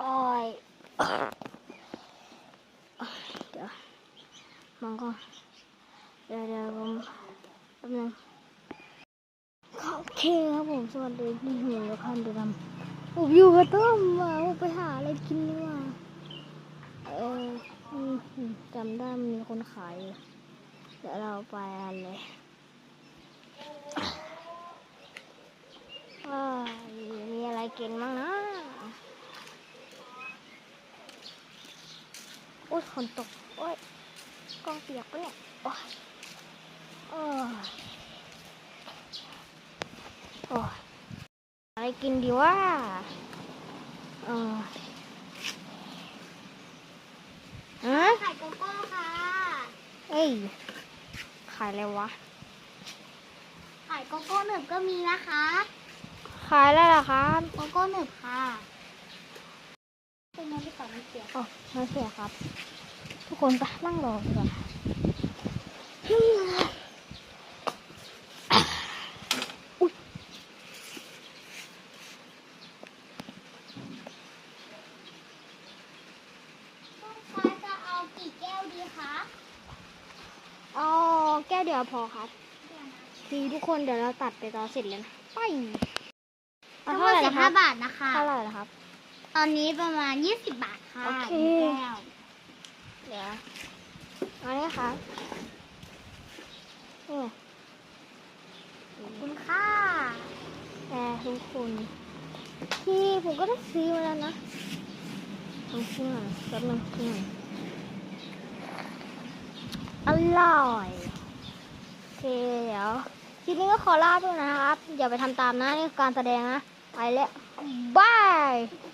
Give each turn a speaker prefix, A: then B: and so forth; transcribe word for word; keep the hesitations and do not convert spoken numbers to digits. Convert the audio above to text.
A: ยเดี๋ยวมันก็เดี๋ยวเดี๋ยวผมแป๊บนึงโอเคครับผมสวัสดีที่อยู่กับคันดูดำผมอยู่กับต้มมาผมไปหาอะไรกินดีกว่าเออจำได้มีคนขายอยู่เดี๋ยวเราไปกันเลยมีอะไรกินบ้างนะอุ้ยฝนตกโอ้ยกล้องเปียกปะเนี่ยโอ้ยโอ้ยโอ้ยอะไรกินดีวะเออฮะ
B: ขายโกโก้ค่ะ
A: เอ้ยขายอะไรวะ
B: ขายโกโก้หนึบก็มีนะคะ
A: ขายอะไรล่ะครับ
B: โกโก้หนึบค่ะเป็นไงพี่ต่อไม่เสีย
A: อ๋อไม่เสียครับทุกคนไปนั่งรอดีกว่าอุ๊ย
B: ลูกค้าจะเอากี่แก้วดีคะ
A: เอาแก้วเดียวพอครับทีทุกคนเดี๋ยวเราตัดไปตอนเสร็จเลยนะไป
B: ทั้งหมดสิบห้าบาทนะคะ
A: เท่าไหร่นะครับ
B: ตอนนี้ประมาณยี่สิบบาทค่ะ
A: โอเค
B: แก้ว
A: เดี๋ยวอันนี้ครับนี่
B: ขอบคุณค่ะ
A: แต่ทุกคนที่ผมก็ได้ซื้อมาแล้วนะลองชิมหน่อยแป๊บนึงชิมหน่อยอร่อยโอเคเดี๋ยวคลิปนี้ก็ขอลาด้วยนะครับอย่าไปทำตามนะนี่คือการแสดงนะไปแล้วบาย